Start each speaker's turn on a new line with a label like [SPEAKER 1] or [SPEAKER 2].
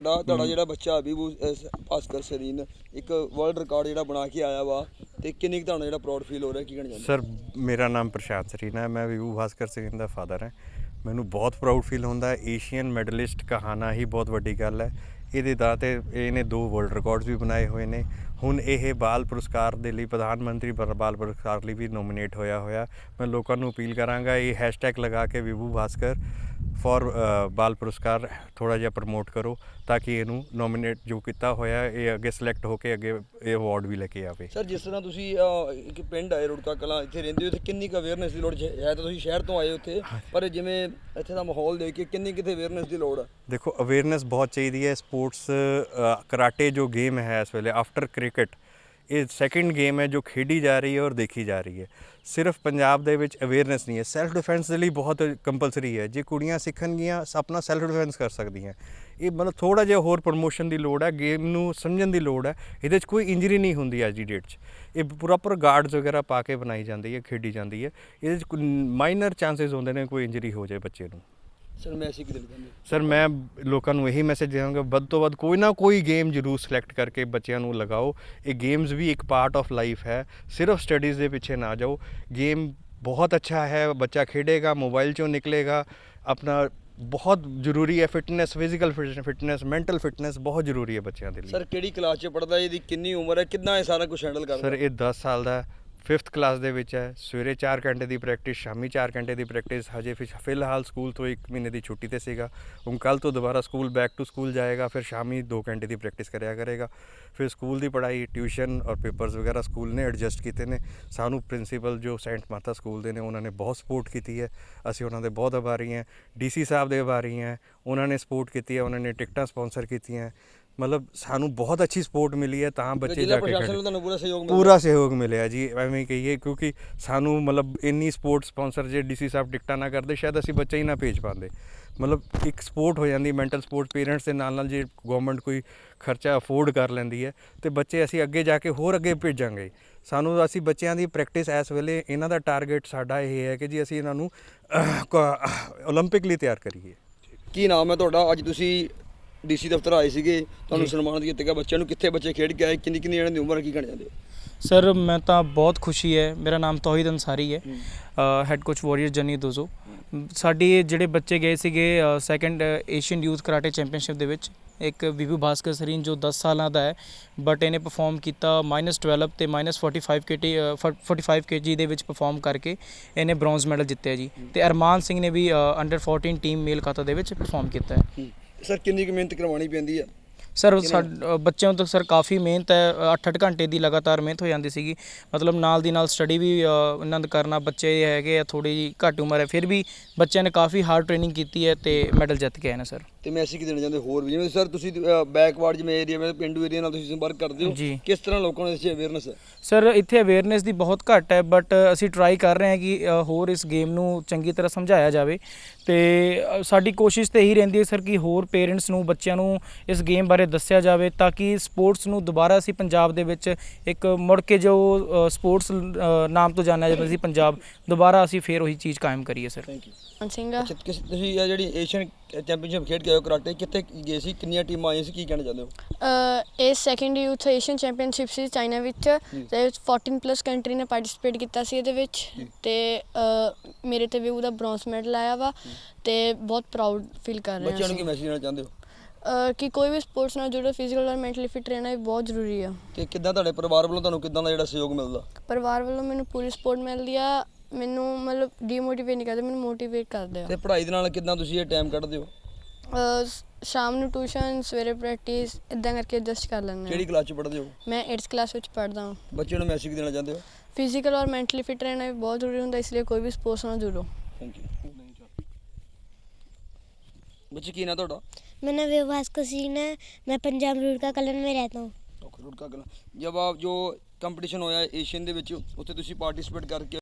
[SPEAKER 1] ਤੁਹਾਡਾ ਜਿਹੜਾ ਬੱਚਾ ਵਿਭੂ ਭਾਸਕਰ ਸਰੀਨ ਇੱਕ ਵਰਲਡ ਰਿਕਾਰਡ ਜਿਹੜਾ ਬਣਾ ਕੇ ਆਇਆ ਵਾ ਤੇ ਕਿੰਨੀ ਕੁ ਤੁਹਾਨੂੰ ਜਿਹੜਾ ਪ੍ਰਾਊਡ ਫੀਲ ਹੋ ਰਿਹਾ ਕੀ ਕਹਿਣਾ ਚਾਹੁੰਦੇ
[SPEAKER 2] ਸਰ ਮੇਰਾ ਨਾਮ ਪ੍ਰਸ਼ਾਂਤ ਸਰੀਨ ਹੈ। ਮੈਂ ਵਿਭੂ ਭਾਸਕਰ ਸਰੀਨ ਦਾ ਫਾਦਰ ਹਾਂ। ਮੈਨੂੰ ਬਹੁਤ ਪ੍ਰਾਊਡ ਫੀਲ ਹੁੰਦਾ। ਏਸ਼ੀਅਨ ਮੈਡਲਿਸਟ ਕਹਾਣਾ ਹੀ ਬਹੁਤ ਵੱਡੀ ਗੱਲ ਹੈ। ਇਹਦੇ ਦਾਅ 'ਤੇ ਇਹਨੇ 2 ਵਰਲਡ ਰਿਕਾਰਡਸ ਵੀ ਬਣਾਏ ਹੋਏ ਨੇ। ਹੁਣ ਇਹ ਬਾਲ ਪੁਰਸਕਾਰ ਦੇ ਲਈ ਪ੍ਰਧਾਨ ਮੰਤਰੀ ਬਾਲ ਪੁਰਸਕਾਰ ਲਈ ਵੀ ਨੋਮੀਨੇਟ ਹੋਇਆ। ਮੈਂ ਲੋਕਾਂ ਨੂੰ ਅਪੀਲ ਕਰਾਂਗਾ ਇਹ ਹੈਸ਼ਟੈਗ ਲਗਾ ਕੇ ਵਿਭੂ ਭਾਸਕਰ ਫॉर ਬਾਲ ਪੁਰਸਕਾਰ ਥੋੜ੍ਹਾ ਜਿਹਾ ਪ੍ਰਮੋਟ ਕਰੋ ਤਾਂ ਕਿ ਇਹਨੂੰ ਨੋਮੀਨੇਟ ਜੋ ਕੀਤਾ ਹੋਇਆ ਇਹ ਅੱਗੇ ਸਿਲੈਕਟ ਹੋ ਕੇ ਅੱਗੇ ਇਹ ਅਵਾਰਡ ਵੀ ਲੈ ਕੇ ਆਵੇ।
[SPEAKER 1] ਸਰ ਜਿਸ ਤਰ੍ਹਾਂ ਤੁਸੀਂ ਇੱਕ ਪਿੰਡ ਆਏ ਰੁੜਕਾ ਕਲਾਂ ਇੱਥੇ ਰਹਿੰਦੇ ਹੋ ਇੱਥੇ ਕਿੰਨੀ ਕੁ ਅਵੇਅਰਨੈਸ ਦੀ ਲੋੜ ਹੈ? ਤਾਂ ਤੁਸੀਂ ਸ਼ਹਿਰ ਤੋਂ ਆਏ ਉੱਥੇ ਪਰ ਜਿਵੇਂ ਇੱਥੇ ਦਾ ਮਾਹੌਲ ਦੇਖ ਕੇ ਕਿੰਨੀ ਕਿਤੇ ਅਵੇਅਰਨੈਸ ਦੀ ਲੋੜ ਹੈ?
[SPEAKER 2] ਦੇਖੋ ਅਵੇਅਰਨੈਸ ਬਹੁਤ ਚਾਹੀਦੀ ਹੈ। ਸਪੋਰਟਸ ਕਰਾਟੇ ਜੋ ਗੇਮ ਹੈ ਇਸ ਵੇਲੇ ਆਫਟਰ ਕ੍ਰਿਕਟ ਇਹ ਸੈਕਿੰਡ ਗੇਮ ਹੈ ਜੋ ਖੇਡੀ ਜਾ ਰਹੀ ਹੈ ਔਰ ਦੇਖੀ ਜਾ ਰਹੀ ਹੈ। ਸਿਰਫ ਪੰਜਾਬ ਦੇ ਵਿੱਚ ਅਵੇਅਰਨੈਸ ਨਹੀਂ ਹੈ। ਸੈਲਫ ਡਿਫੈਂਸ ਦੇ ਲਈ ਬਹੁਤ ਕੰਪਲਸਰੀ ਹੈ। ਜੇ ਕੁੜੀਆਂ ਸਿੱਖਣਗੀਆਂ ਆਪਣਾ ਸੈਲਫ ਡਿਫੈਂਸ ਕਰ ਸਕਦੀਆਂ। ਇਹ ਮਤਲਬ ਥੋੜ੍ਹਾ ਜਿਹਾ ਹੋਰ ਪ੍ਰਮੋਸ਼ਨ ਦੀ ਲੋੜ ਹੈ। ਗੇਮ ਨੂੰ ਸਮਝਣ ਦੀ ਲੋੜ ਹੈ। ਇਹਦੇ 'ਚ ਕੋਈ ਇੰਜਰੀ ਨਹੀਂ ਹੁੰਦੀ ਅੱਜ ਦੀ ਡੇਟ 'ਚ। ਇਹ ਪ੍ਰੋਪਰ ਗਾਰਡਸ ਵਗੈਰਾ ਪਾ ਕੇ ਬਣਾਈ ਜਾਂਦੀ ਹੈ, ਖੇਡੀ ਜਾਂਦੀ ਹੈ। ਇਹਦੇ 'ਚ ਮਾਈਨਰ ਚਾਂਸਿਸ ਹੁੰਦੇ ਨੇ ਕੋਈ ਇੰਜਰੀ ਹੋ ਜਾਏ ਬੱਚੇ ਨੂੰ।
[SPEAKER 1] ਸਰ ਮੈਸੇਜ ਕੀ ਦੇਣਾ ਚਾਹੁੰਦੇ?
[SPEAKER 2] ਸਰ ਮੈਂ ਲੋਕਾਂ ਨੂੰ ਇਹੀ ਮੈਸੇਜ ਦੇਵਾਂਗਾ ਵੱਧ ਤੋਂ ਵੱਧ ਕੋਈ ਨਾ ਕੋਈ ਗੇਮ ਜ਼ਰੂਰ ਸਿਲੈਕਟ ਕਰਕੇ ਬੱਚਿਆਂ ਨੂੰ ਲਗਾਓ। ਇਹ ਗੇਮਸ ਵੀ ਇੱਕ ਪਾਰਟ ਆਫ ਲਾਈਫ ਹੈ। ਸਿਰਫ ਸਟੱਡੀਜ਼ ਦੇ ਪਿੱਛੇ ਨਾ ਜਾਓ। ਗੇਮ ਬਹੁਤ ਅੱਛਾ ਹੈ। ਬੱਚਾ ਖੇਡੇਗਾ, ਮੋਬਾਈਲ 'ਚੋਂ ਨਿਕਲੇਗਾ। ਆਪਣਾ ਬਹੁਤ ਜ਼ਰੂਰੀ ਹੈ fitness, physical fitness, mental fitness ਬਹੁਤ ਜ਼ਰੂਰੀ ਹੈ ਬੱਚਿਆਂ ਦੇ ਲਈ।
[SPEAKER 1] ਸਰ ਕਿਹੜੀ ਕਲਾਸ 'ਚ ਪੜ੍ਹਦਾ? ਇਹਦੀ ਕਿੰਨੀ ਉਮਰ ਹੈ? ਕਿੰਨਾ ਇਹ ਸਾਰਾ ਕੁਝ ਹੈਂਡਲ ਕਰਦਾ?
[SPEAKER 2] ਸਰ ਇਹ 10 ਸਾਲ ਦਾ 5th ਕਲਾਸ ਦੇ ਵਿੱਚ ਹੈ। ਸਵੇਰੇ 4 ਘੰਟੇ ਦੀ ਪ੍ਰੈਕਟਿਸ, ਸ਼ਾਮੀ 4 ਘੰਟੇ ਦੀ ਪ੍ਰੈਕਟਿਸ। ਹਜੇ ਫਿਲਹਾਲ ਸਕੂਲ ਤੋਂ 1 ਮਹੀਨੇ ਦੀ ਛੁੱਟੀ 'ਤੇ ਸੀਗਾ। ਹੁਣ ਕੱਲ੍ਹ ਤੋਂ ਦੁਬਾਰਾ ਸਕੂਲ ਬੈਕ ਟੂ ਸਕੂਲ ਜਾਏਗਾ। ਫਿਰ ਸ਼ਾਮੀ 2 ਘੰਟੇ ਦੀ ਪ੍ਰੈਕਟਿਸ ਕਰਿਆ ਕਰੇਗਾ। ਫਿਰ ਸਕੂਲ ਦੀ ਪੜ੍ਹਾਈ, ਟਿਊਸ਼ਨ ਔਰ ਪੇਪਰਸ ਵਗੈਰਾ ਸਕੂਲ ਨੇ ਐਡਜਸਟ ਕੀਤੇ ਨੇ। ਸਾਨੂੰ ਪ੍ਰਿੰਸੀਪਲ ਜੋ ਸੈਂਟ ਮਾਤਾ ਸਕੂਲ ਦੇ ਨੇ ਉਹਨਾਂ ਨੇ ਬਹੁਤ ਸਪੋਰਟ ਕੀਤੀ ਹੈ। ਅਸੀਂ ਉਹਨਾਂ ਦੇ ਬਹੁਤ ਆਭਾਰੀ ਹਾਂ। DC ਸਾਹਿਬ ਦੇ ਆਭਾਰੀ ਹਾਂ। ਉਹਨਾਂ ਨੇ ਸਪੋਰਟ ਕੀਤੀ ਹੈ। ਉਹਨਾਂ ਨੇ ਟਿਕਟਾਂ ਸਪੋਂਸਰ ਕੀਤੀਆਂ। ਮਤਲਬ ਸਾਨੂੰ ਬਹੁਤ ਅੱਛੀ ਸਪੋਰਟ ਮਿਲੀ ਹੈ ਤਾਂ ਬੱਚੇ ਜਾ ਕੇ
[SPEAKER 1] ਤੁਹਾਨੂੰ
[SPEAKER 2] ਪੂਰਾ ਸਹਿਯੋਗ ਮਿਲਿਆ ਜੀ। ਐਵੇਂ ਕਹੀਏ ਕਿਉਂਕਿ ਸਾਨੂੰ ਮਤਲਬ ਇੰਨੀ ਸਪੋਰਟ ਸਪੋਂਸਰ ਜੇ DC ਸਾਹਿਬ ਟਿਕਟਾਂ ਨਾ ਕਰਦੇ ਸ਼ਾਇਦ ਅਸੀਂ ਬੱਚੇ ਹੀ ਨਾ ਭੇਜ ਪਾਉਂਦੇ। ਮਤਲਬ ਇੱਕ ਸਪੋਰਟ ਹੋ ਜਾਂਦੀ ਮੈਂਟਲ ਸਪੋਰਟ ਪੇਰੈਂਟਸ ਦੇ ਨਾਲ ਜੇ ਗਵਰਨਮੈਂਟ ਕੋਈ ਖਰਚਾ ਅਫੋਰਡ ਕਰ ਲੈਂਦੀ ਹੈ ਅਤੇ ਬੱਚੇ ਅਸੀਂ ਅੱਗੇ ਜਾ ਕੇ ਹੋਰ ਅੱਗੇ ਭੇਜਾਂਗੇ। ਅਸੀਂ ਬੱਚਿਆਂ ਦੀ ਪ੍ਰੈਕਟਿਸ ਇਸ ਵੇਲੇ ਇਹਨਾਂ ਦਾ ਟਾਰਗੇਟ ਸਾਡਾ ਇਹ ਹੈ ਕਿ ਜੀ ਅਸੀਂ ਇਹਨਾਂ ਨੂੰ ਓਲੰਪਿਕ ਲਈ ਤਿਆਰ ਕਰੀਏ।
[SPEAKER 1] ਕੀ ਨਾਮ ਹੈ ਤੁਹਾਡਾ? ਅੱਜ ਤੁਸੀਂ DC ਦਫ਼ਤਰ ਆਏ ਸੀਗੇ, ਤੁਹਾਨੂੰ ਸਨਮਾਨਿਤ ਕੀਤਾ ਗਿਆ। ਬੱਚਿਆਂ ਨੂੰ ਕਿੱਥੇ ਬੱਚੇ ਖੇਡ ਕੇ ਆਏ? ਕਿੰਨੀ ਇਹਨਾਂ ਦੀ ਉਮਰ ਹੈ? ਕੀ ਕਹਿਣਾ ਚਾਹੁੰਦੇ?
[SPEAKER 3] ਸਰ ਮੈਂ ਤਾਂ ਬਹੁਤ ਖੁਸ਼ੀ ਹੈ। ਮੇਰਾ ਨਾਮ ਤੌਹੀਦ ਅੰਸਾਰੀ ਹੈ, ਹੈੱਡ ਕੋਚ ਵਾਰੀਅਰ ਜਨੀ ਦੋਜ਼ੋ। ਸਾਡੇ ਜਿਹੜੇ ਬੱਚੇ ਗਏ ਸੀਗੇ 2nd Asian youth karate championship ਦੇ ਵਿੱਚ। ਇੱਕ ਵਿਭੂ ਭਾਸਕਰ ਸਰੀਨ ਜੋ 10 ਸਾਲਾਂ ਦਾ ਹੈ ਬਟ ਇਹਨੇ ਪਰਫਾਰਮ ਕੀਤਾ -12 ਅਤੇ -45 kg ਦੇ ਵਿੱਚ ਪਰਫਾਰਮ ਕਰਕੇ ਇਹਨੇ ਬ੍ਰੌਂਜ਼ ਮੈਡਲ ਜਿੱਤਿਆ ਜੀ। ਅਤੇ ਅਰਮਾਨ ਸਿੰਘ ਨੇ ਵੀ ਅੰਡਰ 14 ਟੀਮ ਮੇਲ ਖਾਤਾ ਦੇ ਵਿੱਚ ਪਰਫਾਰਮ ਕੀਤਾ ਹੈ।
[SPEAKER 1] ਸਰ ਕਿੰਨੀ ਕੁ ਮਿਹਨਤ ਕਰਵਾਉਣੀ ਪੈਂਦੀ ਹੈ?
[SPEAKER 3] ਸਰ ਬੱਚਿਆਂ ਤੋਂ ਸਰ ਕਾਫੀ ਮਿਹਨਤ ਹੈ। 8-8 ਘੰਟੇ ਦੀ ਲਗਾਤਾਰ ਮਿਹਨਤ ਹੋ ਜਾਂਦੀ ਸੀਗੀ। ਮਤਲਬ ਨਾਲ ਦੀ ਨਾਲ ਸਟੱਡੀ ਵੀ ਇਹਨਾਂ ਦਾ ਕਰਨਾ। ਬੱਚੇ ਹੈਗੇ ਆ ਥੋੜ੍ਹੀ ਜਿਹੀ ਘੱਟ ਉਮਰ ਹੈ ਫਿਰ ਵੀ ਬੱਚਿਆਂ ਨੇ ਕਾਫੀ ਹਾਰਡ ਟ੍ਰੇਨਿੰਗ ਕੀਤੀ ਹੈ ਅਤੇ ਮੈਡਲ ਜਿੱਤ ਕੇ ਆਏ ਨੇ ਸਰ।
[SPEAKER 1] ਅਤੇ ਮੈਸੇਜ ਕੀ ਦੇਣਾ ਚਾਹੁੰਦੇ ਹੋਰ ਵੀ? ਜਿਵੇਂ ਸਰ ਤੁਸੀਂ ਬੈਕਵਰਡ ਜਿਵੇਂ ਏਰੀਆ ਵਿੱਚ ਪੇਂਡੂ ਏਰੀਆ ਨਾਲ ਤੁਸੀਂ ਸੰਪਰਕ ਕਰਦੇ ਹੋ
[SPEAKER 3] ਜੀ,
[SPEAKER 1] ਕਿਸ ਤਰ੍ਹਾਂ ਲੋਕਾਂ ਨੂੰ ਇਸ 'ਚ ਅਵੇਅਰਨੈਸ ਹੈ?
[SPEAKER 3] ਸਰ ਇੱਥੇ ਅਵੇਅਰਨੈਸ ਦੀ ਬਹੁਤ ਘੱਟ ਹੈ ਬਟ ਅਸੀਂ ਟਰਾਈ ਕਰ ਰਹੇ ਹਾਂ ਕਿ ਹੋਰ ਇਸ ਗੇਮ ਨੂੰ ਚੰਗੀ ਤਰ੍ਹਾਂ ਸਮਝਾਇਆ ਜਾਵੇ। ਅਤੇ ਸਾਡੀ ਕੋਸ਼ਿਸ਼ ਤਾਂ ਇਹੀ ਰਹਿੰਦੀ ਹੈ ਸਰ ਕਿ ਹੋਰ ਪੇਰੈਂਟਸ ਨੂੰ ਬੱਚਿਆਂ ਨੂੰ ਇਸ ਗੇਮ ਬਾਰੇ ਦੱਸਿਆ ਜਾਵੇ ਤਾਂ ਕਿ ਸਪੋਰਟਸ ਨੂੰ ਦੁਬਾਰਾ ਅਸੀਂ ਪੰਜਾਬ ਦੇ ਵਿੱਚ ਇੱਕ ਮੁੜ ਕੇ ਜੋ ਸਪੋਰਟਸ ਨਾਮ ਤੋਂ ਜਾਣਿਆ ਜਾਂਦਾ ਸੀ ਪੰਜਾਬ, ਦੁਬਾਰਾ ਅਸੀਂ ਫਿਰ ਉਹੀ ਚੀਜ਼ ਕਾਇਮ ਕਰੀਏ ਸਰ।
[SPEAKER 1] Thank you.
[SPEAKER 4] ਸਿੰਘ
[SPEAKER 1] ਤੁਸੀਂ ਇਹ ਜਿਹੜੀ ਏਸ਼ੀਅਨ ਚੈਂਪੀਅਨਸ਼ਿਪ ਖੇਡ ਕੇ ਆਏ ਹੋ ਕਰਾਟੇ, ਕਿੱਥੇ ਗਏ ਸੀ? ਕਿੰਨੀਆਂ ਟੀਮਾਂ ਆਈਆਂ ਸੀ? ਕੀ ਕਹਿਣਾ ਚਾਹੁੰਦੇ ਹੋ?
[SPEAKER 4] ਇਹ 2nd ਯੂਥ ਏਸ਼ੀਅਨ ਚੈਂਪੀਅਨਸ਼ਿਪ ਸੀ ਚਾਈਨਾ ਵਿੱਚ ਅਤੇ 14+ ਕੰਟਰੀ ਨੇ ਪਾਰਟੀਸਪੇਟ ਕੀਤਾ ਸੀ ਇਹਦੇ ਵਿੱਚ। ਅਤੇ ਮੇਰੇ 'ਤੇ ਵੀ ਉਹਦਾ ਬ੍ਰੌਂਜ਼ ਮੈਡਲ ਆਇਆ ਵਾ ਅਤੇ ਬਹੁਤ ਪ੍ਰਾਊਡ ਫੀਲ ਕਰ ਰਹੇ ਹਾਂ।
[SPEAKER 1] ਬੱਚਿਆਂ ਨੂੰ ਕੀ ਮੈਸੇਜ ਦੇਣਾ ਚਾਹੁੰਦੇ ਹੋ?
[SPEAKER 4] ਕਿ ਕੋਈ ਵੀ ਸਪੋਰਟਸ ਨਾਲ ਜੁੜੋ, ਫਿਜ਼ੀਕਲ ਔਰ ਮੈਂਟਲੀ ਫਿਟ ਰਹਿਣਾ ਵੀ ਬਹੁਤ ਜ਼ਰੂਰੀ ਆ।
[SPEAKER 1] ਅਤੇ ਕਿੱਦਾਂ ਤੁਹਾਡੇ ਪਰਿਵਾਰ ਵੱਲੋਂ ਤੁਹਾਨੂੰ ਕਿੱਦਾਂ ਦਾ ਜਿਹੜਾ ਸਹਿਯੋਗ ਮਿਲਦਾ?
[SPEAKER 4] ਪਰਿਵਾਰ ਵੱਲੋਂ ਮੈਨੂੰ ਪੂਰੀ ਸਪੋਰਟ ਮਿਲਦੀ ਆ। ਮੈਨੂੰ ਮਤਲਬ ਡੀਮੋਟੀਵੇਟ ਨਹੀਂ ਕਰਦੇ, ਮੈਨੂੰ ਮੋਟੀਵੇਟ ਕਰਦੇ ਆ।
[SPEAKER 1] ਅਤੇ ਪੜ੍ਹਾਈ ਦੇ ਨਾਲ ਕਿੱਦਾਂ ਤੁਸੀਂ ਇਹ ਟਾਈਮ ਕੱਢਦੇ ਹੋ?
[SPEAKER 4] ਸ਼ਾਮ ਨੂੰ ਟਿਊਸ਼ਨ, ਸਵੇਰੇ ਪ੍ਰੈਕਟਿਸ, ਇੱਦਾਂ ਕਰਕੇ ਐਡਜਸਟ ਕਰ ਲੈਂਦੇ ਹਾਂ।
[SPEAKER 1] ਕਿਹੜੀ ਕਲਾਸ 'ਚ ਪੜ੍ਹਦੇ ਹੋ?
[SPEAKER 4] ਮੈਂ 8th ਕਲਾਸ ਵਿੱਚ ਪੜ੍ਹਦਾ ਹਾਂ।
[SPEAKER 1] ਬੱਚਿਆਂ ਨੂੰ ਮੈਸੇਜ ਦੇਣਾ ਚਾਹੁੰਦੇ ਹੋ?
[SPEAKER 4] ਫਿਜ਼ੀਕਲ ਔਰ ਮੈਂਟਲੀ ਫਿਟ ਰਹਿਣਾ ਵੀ ਬਹੁਤ ਜ਼ਰੂਰੀ ਹੁੰਦਾ, ਇਸ ਲਈ ਕੋਈ ਵੀ ਸਪੋਰਟਸ ਨਾਲ ਜੁੜੋ।
[SPEAKER 1] Thank you. बच्चे की ना ਤੁਹਾਡਾ?
[SPEAKER 5] मेरा नाम विभू भास्कर सिंह है। मैं पंजाब रुड़का कलन में रहता हूँ।
[SPEAKER 1] रुड़का कलन। जब आप जो कंपटीशन होया एशियन ਦੇ ਵਿੱਚ ਉੱਥੇ ਤੁਸੀਂ ਪਾਰਟਿਸਿਪੇਟ ਕਰਕੇ